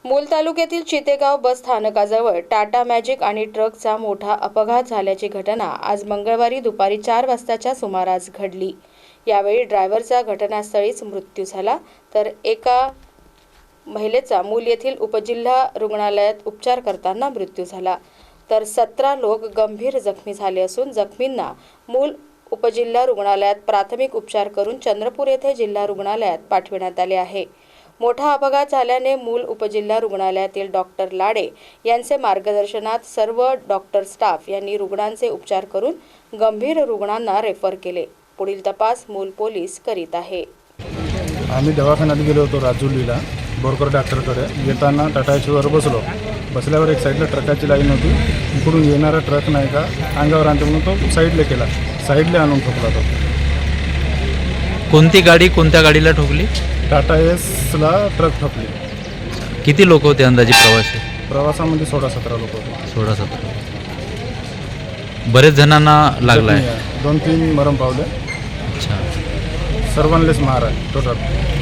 मूल तालुक्यातील चितेगाव बस स्थानकाजवळ टाटा मॅजिक आणि ट्रकचा मोठा अपघात झाल्याची घटना आज मंगळवारी दुपारी 4 वाजताच्या सुमारास घडली। यावेळी ड्रायव्हरचा घटनास्थळीच मृत्यू झाला, तर एका महिलेचा मूल येथील उपजिल्हा रुग्णालयात उपचार करताना मृत्यू झाला, तर 17 लोक गंभीर जखमी झाले असून जखमींना मूल उपजिल्हा रुग्णालयात प्राथमिक उपचार करून चंद्रपूर येथे जिल्हा रुग्णालयात पाठविण्यात आले आहे। मोठा अपघात झाल्याने मूल उपजिल्हा रुग्णालयातील डॉक्टर लाडे यांचे मार्गदर्शनात सर्व डॉक्टर स्टाफ यांनी रुग्णांचे उपचार करून गंभीर रुग्णांना रेफर केले। पुढील तपास मूल पोलीस करीत आहे। आम्ही दवाखान्यात गेलो होतो राजुलीला बोरकर डॉक्टरकडे। येताना टाटाचीवर बसल्यावर एक साईडला ट्रकाची लाईन होती। इकडून येणारा ट्रक नाही का अंगावर आणतो म्हणून तो साईडला केला, साईडला आणून ठोकला तो। कोणती गाडी कोणत्या गाडीला ठोकली? टाटा एसला ट्रक ठोकली। किती लोक होते अंदाजे प्रवासी? प्रवासामध्ये 16-17 लोक होते। 16-17 बरेच जणांना लागलाय? 2-3 मरण पावले। अच्छा, सर्वांनाच मार आहे टोटल।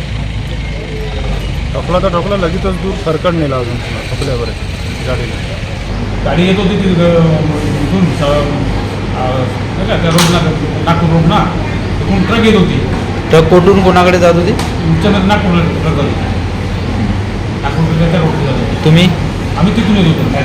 ठोकला लगेचच दूर फरकड नेला अजून ठोकल्यावर गाडीला। गाडी येत होती तिथून रोडला नागपूर रोड ना, तिथून ट्रक येत होती। ट्रक कुठून कोणाकडे जात होती? तुमच्यामध्ये नागपूरला ट्रक होती, नागपूरच्या त्या रोडला जात होती। तुम्ही? आम्ही तिथून येत होतो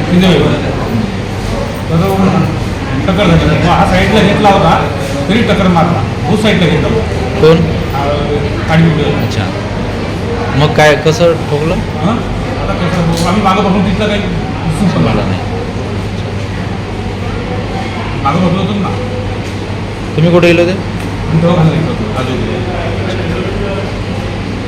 तर टक्कर झाली। हा साईडला घेतला होता तरी टक्कर मारला, तो साईडला घेतला होता। कोण? गाडी। अच्छा, मग काय कसं ठोकलं? आता कसं आम्ही मागं बघून तिथलं काही दिसून पण मला नाही। मागं बघलो होतो ना। तुम्ही कुठे गेले होते? दवाखान्यात गेलो होतो राजूला।